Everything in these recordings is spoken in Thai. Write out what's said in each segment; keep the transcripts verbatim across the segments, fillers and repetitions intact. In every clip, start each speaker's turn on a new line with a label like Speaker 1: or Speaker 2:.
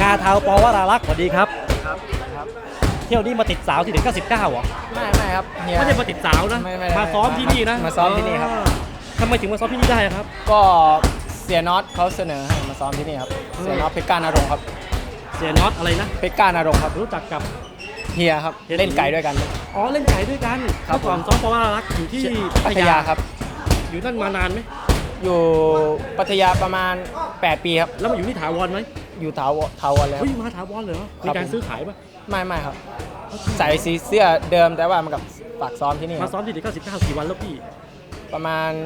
Speaker 1: งาเทาปวรารักษ์สวัสดีครับ
Speaker 2: ครับครับ
Speaker 1: เที่ยวนี้มาติดสาวที่ถึงเก้าสิบเก้าเหรอ
Speaker 2: ไม่ไม่ครับเฮีย
Speaker 1: ไม่ได้มาติดสาวนะ
Speaker 2: ไม่ไม่
Speaker 1: มาซ้อมที่นี่นะ
Speaker 2: มาซ้อมที่นี่ครับ
Speaker 1: ทำไมถึงมาซ้อมที่นี่ได้ครับ
Speaker 2: ก็เสียน็อตเขาเสนอให้มาซ้อมที่นี่ครับเสียน็อตเพชรกาณรงค์ครับ
Speaker 1: เสียน็อตอะไรนะ
Speaker 2: เพชรกาณรงค์ครับ
Speaker 1: รู้จักกับ
Speaker 2: เฮียครับเล่นไก่ด้วยกัน
Speaker 1: อ๋อเล่นไก่ด้วยกันเมื่อก่อนซ้อมปวรารักษ์อยู่ที่
Speaker 2: พัทยาครับ
Speaker 1: อยู่นั่นมานานไหม
Speaker 2: อยู่พัทยาประมาณแปดปีครับ
Speaker 1: แล้วมาอยู่ที่ถาวรไหม
Speaker 2: อยู่ถาวรถาวรแล้ว
Speaker 1: เฮ้ยมาถาวรเหรอมีการซื้อขายป่ะ
Speaker 2: ไม่ไม่ครับใส่สีเสื้อเดิมแต่ว่ามันกับฝากซ้อมที่นี่
Speaker 1: มาซ้อมที่ถึงเก้าสิบเก้ากี่วันแล้วพี่
Speaker 2: ประมาณ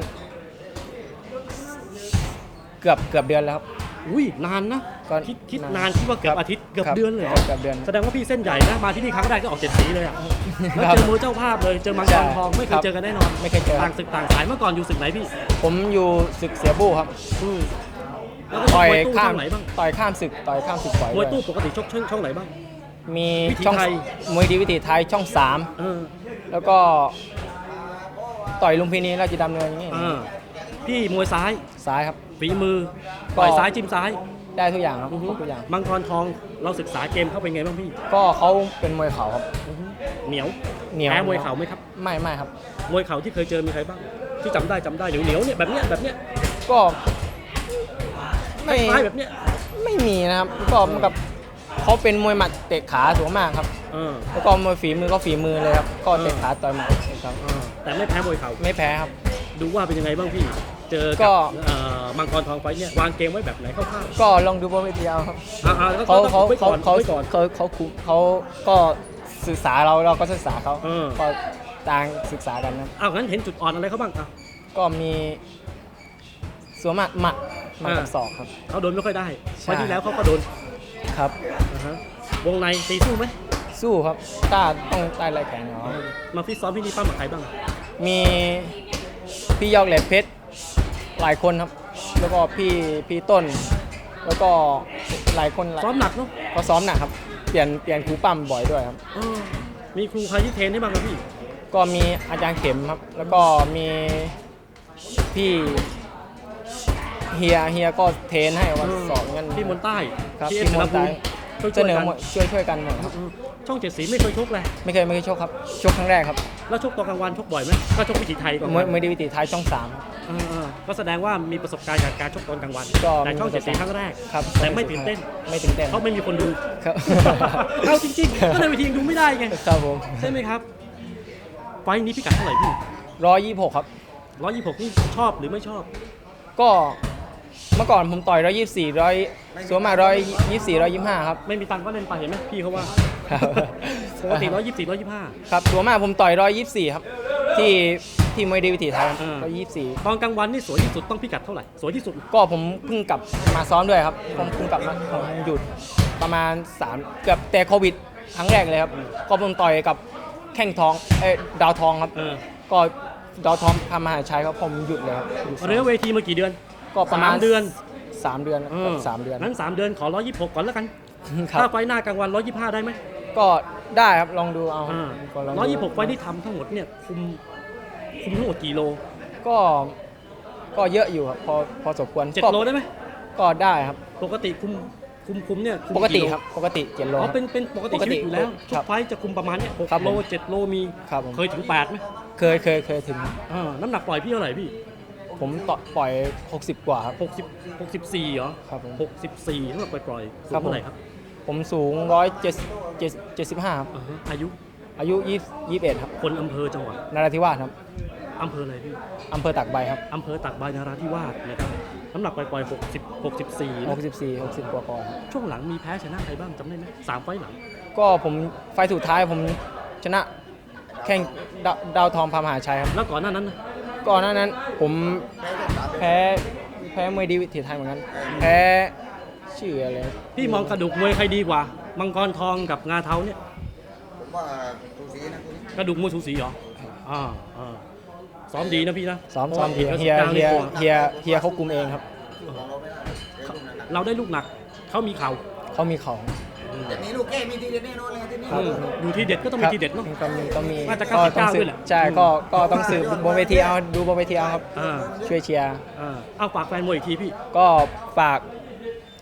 Speaker 2: เกือบเกือบเดือนแล้วครับ
Speaker 1: อุ้ยนานนะคิดคิดนานคิดว่าเกือบอาทิตย์เกือบเดือนเลย
Speaker 2: เกือบเดือน
Speaker 1: แสดงว่าพี่เส้นใหญ่นะมาที่นี่ครั้งแรกก็ออกเจ็ดสีเลยอ่ะแล้วเจอมวยเจ้าภาพเลยเจอมังกรทองไม่เคยเจอกันแน่นอน
Speaker 2: ไม่เคยเจอ
Speaker 1: ต่างศึกต่างสายเมื่อก่อนอยู่ศึกไหนพี่
Speaker 2: ผมอยู่ศึกเสียบู้ครับต่อยข้ามไหนบ้างต่อยข้ามศึกต่อยข้ามศึกบ่อย
Speaker 1: มวยตู้ปกติชกช่องช่องไหนบ้าง
Speaker 2: มีช่องมวยดีวิถีไทยช่องสามแล้วก็ต่อยลุมพินีราชดำเนินอย่างนี้
Speaker 1: พี่มวยซ้าย
Speaker 2: ซ้ายครับ
Speaker 1: ฝีมือต่อยซ้ายจิ้มซ้าย
Speaker 2: ได้ทุกอย่างครับทุกอย่าง
Speaker 1: มังกรทองเราศึกษาเกมเข้าเป็นไงบ้างพี่
Speaker 2: ก็เขาเป็นมวยเข่าครับ
Speaker 1: เหนียว
Speaker 2: เหนียว
Speaker 1: แพ้มวยเข่าไหมครับ
Speaker 2: ไม่ไม่ครับ
Speaker 1: มวยเข่าที่เคยเจอมีใครบ้างที่จำได้จำได้เหนียวเหนียวเนี่ยแบบเนี้ยแบบเนี้ย
Speaker 2: ก็
Speaker 1: ไม่แบบเนี้ย
Speaker 2: ไม่มีนะครับก็มันกับเขาเป็นมวยหมัดเตะขาสูงมากครับแล้วก็มวยฝีมือก็ฝีมือเลยครับก็เตะขาต่อยหมัดครับ
Speaker 1: แต่ไม่แพ้มวยเข่า
Speaker 2: ไม่แพ้ครับ
Speaker 1: ดูว่าเป็นยังไงบ้างพี่เจอ
Speaker 2: ก็
Speaker 1: มังกรทองไฟเนี่ยวางเกมไว้แบบไหนคร่าว
Speaker 2: ๆก็ลองดูบนเวทีเอาครับ
Speaker 1: เขา
Speaker 2: เขาเขาเขาเขาเขาคุมเขาก็ศึกษาเราเราก็ศึกษาเขาก็ต่างศึกษากันนะ
Speaker 1: อ้าวงั้นเห็นจุดอ่อนอะไรเขาบ้างอ่ะ
Speaker 2: ก็มีสวมหมัดหมัดหมัดกับศอกครับ
Speaker 1: เขาโดนไม่ค่อยได้ไฟที่แล้วเขาก็โดน
Speaker 2: ครับ
Speaker 1: วงในตีสู้ไหม
Speaker 2: สู้ครับกล้าต้องใต้ไหล่แข็งเหรอ
Speaker 1: มาฟิตซ้อมที่นี่ป้ากับใครบ้าง
Speaker 2: มีพี่ยอกแหลมเพชรหลายคนครับแล้วก็พี่พี่ต้นแล้วก็หลายคน
Speaker 1: ซ้อมหนักเนาะ
Speaker 2: ก็ซ้อมหนักครับเปลี่ยนเปลี่ยนครูปั้มบ่อยด้วยครับ
Speaker 1: มีครูใครที่เทรนได้บ้างครับพี่
Speaker 2: ก็มีอาจารย์เข็มครับแล้วก็มีพี่เฮียเฮียก็เทรนให้วันสอนกัน
Speaker 1: ที่มนใต้
Speaker 2: ครับที่มนใต้เสนอช่วยช่วยกันหมดครับ
Speaker 1: ช่องเจ็ดสีไม่เคยชกเลย
Speaker 2: ไม่เคยไม่เคยชกครับชกครั้งแรกครับ
Speaker 1: แล้วชกตอนกลางวันชกบ่อยไหมก็ชกวิถีไทยก่อน
Speaker 2: ไม่ได้วิถีไทยช่องสาม
Speaker 1: ก็แสดงว่ามีประสบการณ์จากการชกตอนกลางวันแต่ช่องเจ็ดสีครั้งแรก
Speaker 2: ครับ
Speaker 1: แต่ไม่ตื่นเต้น
Speaker 2: ไม่ตื่นเต้น
Speaker 1: เพราะไม่มีคนดูครับเอาจริงๆก็ในวิธีดูไม่ได้ไง
Speaker 2: ครับผม
Speaker 1: ใช่ไหมครับไฟนี้พิกัดเท่าไหร่พี่
Speaker 2: ร้อยยี่สิบหกครับ
Speaker 1: ร้อยยี่สิบหกนี่ชอบหรือไม่ชอบ
Speaker 2: ก็เมื่อก่อนผมต่อยร้อยยี่สิบสี่ร้อยสวมมาร้อยยี่สิบสี่ร้อยยี่สิบห้าครับ
Speaker 1: ไม่มีตังค์ก็เล่นไปเห็นไหมพี่เขาว่าปกติร้อยยี่สิบสี่ร้อยยี่สิบห้า
Speaker 2: ครับสวมมาผมต่อยร้อยยี่สิบสี่ครับที่ที่มวยดีวิถีไทยร้อยยี่สิบสี่
Speaker 1: ตอนกลางวันนี่สวยที่สุดต้องพิกัดเท่าไหร่สวยที่สุด
Speaker 2: ก็ผมเพิ่งกลับมาซ้อมด้วยครับผมเพิ่งกลับมาหยุดประมาณสามเกือบแต่โควิดครั้งแรกเลยครับก็ผมต่อยกับแข้งทองเอ้ดาวทองครับก็ดาวทองทำมหาชัยครับผมหยุดเลยครับ
Speaker 1: เรียกเวทีมากี่เดือน
Speaker 2: ก็ประมาณ
Speaker 1: เดือน
Speaker 2: สามเดือนสามเดือน
Speaker 1: นั้นสามเดือนขอร้อยยี่สิบหกก่อนแล้วกันถ้าไฟหน้ากลางวันร้อยยี่สิบห้าได้ไหม
Speaker 2: ก็ได้ครับลองดูเอา
Speaker 1: ร้อยยี่สิบหกไฟที่ทำทั้งหมดเนี่ยคุมคุมทั้งหมดกี่โล
Speaker 2: ก็ก็เยอะอยู่ครับพอพอสมควร
Speaker 1: เจ็ดโลได้ไหม
Speaker 2: ก็ได้ครับ
Speaker 1: ปกติคุมคุมคุมเนี่ย
Speaker 2: ปกติครับปกติเจ็ดโล
Speaker 1: อ๋อเป็นเป็นปกติชีวิตอยู่แล้วทุกไฟจะคุมประมาณเนี้ยหกโลเจ็ดโลมีเคยถึงแปดไหม
Speaker 2: เคยเคยเคยถึง
Speaker 1: น้ำหนักปล่อยพี่เท่าไหร่พี่
Speaker 2: ผมต่อปล่อยหกสิบกว่าครับ
Speaker 1: หกสิบ หกสิบสี่เหรอ
Speaker 2: ครับ
Speaker 1: หกสิบสี่เท่ากับปล่อยๆสูงเท่าไหร่ครับ
Speaker 2: ผมสูงหนึ่งร้อยเจ็ดสิบห้าครับ
Speaker 1: อายุ
Speaker 2: อายุยี่สิบเอ็ดครับ
Speaker 1: คนอำเภอจังหวัด
Speaker 2: นราธิวาสครับ
Speaker 1: อำเภออะไรพี่
Speaker 2: อำเภอตากใบครับ
Speaker 1: อำเภอตากใบนราธิวาสนะครับน้ำหนักปล่อยๆหกสิบ หกสิบสี่
Speaker 2: หกสิบสี่ หกสิบกว่าๆ
Speaker 1: ช่วงหลังมีแพ้ชนะใครบ้างจำได้ไหมสามไฟหลัง
Speaker 2: ก็ผมไฟสุดท้ายผมชนะแข่งดาวทองพามหาชัยครับ
Speaker 1: แล้วก่อนหน้านั้น
Speaker 2: ก่อนหน้านั้นผมแพ้แพ้มวยดีวิถีไทยเหมือนกันแพ้ชื่ออะไร
Speaker 1: พี่มองกระดูกมวยใครดีกว่ามังกรทองกับงาเทาเนี่ย
Speaker 3: ผมว่าสูสีนะ
Speaker 1: กระดูกมวยสูสีเหรออ่าอ่าซ้อมดีนะพี่นะ
Speaker 2: ซ้อมซ้อมดีเฮียเฮียเฮียเฮียเขาคุมเองครับ
Speaker 1: เราได้ลูกหนักเขามีเข่า
Speaker 2: เขามีเข่า
Speaker 3: แต่นี้ลูกแก้มีทีเด็ดแน่นอนเลยที่นี่
Speaker 1: อยู่ที่เด็ดก็ต้องมีทีเด็ดเนาะ
Speaker 2: ก็มีก็มี
Speaker 1: น่าจะเก้าสิบเก้าด้วยแหละ
Speaker 2: ใช่ก็ก็ต้องสืบบนเวทีเอาดูบนเวทีเอาครับช่วยเชียร์
Speaker 1: เอาฝากแฟนมวยอีกทีพี่
Speaker 2: ก็ฝาก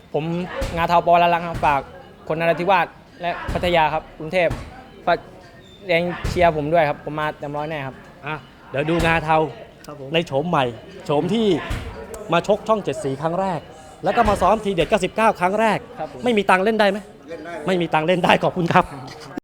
Speaker 2: ผมงาเทาปอละลังครับฝากคนนราธิวาสและพัทยาครับกรุงเทพฝากแรงเชียร์ผมด้วยครับผมมาเต็มร้อยแน่ครับ
Speaker 1: อ่ะเดี๋ยวดูงาเทาในโฉมใหม่โฉมที่มาชกช่องเจ็ดสีครั้งแรก แล้วก็มาซ้อมทีเด็ดเก้าสิบเก้าครั้งแรก
Speaker 2: ครับผม
Speaker 1: ไม่มีตังค์เล่นได้ไหม
Speaker 3: เล่นได้
Speaker 1: ไม่มีตังค์เล่นได้ขอบคุณครับ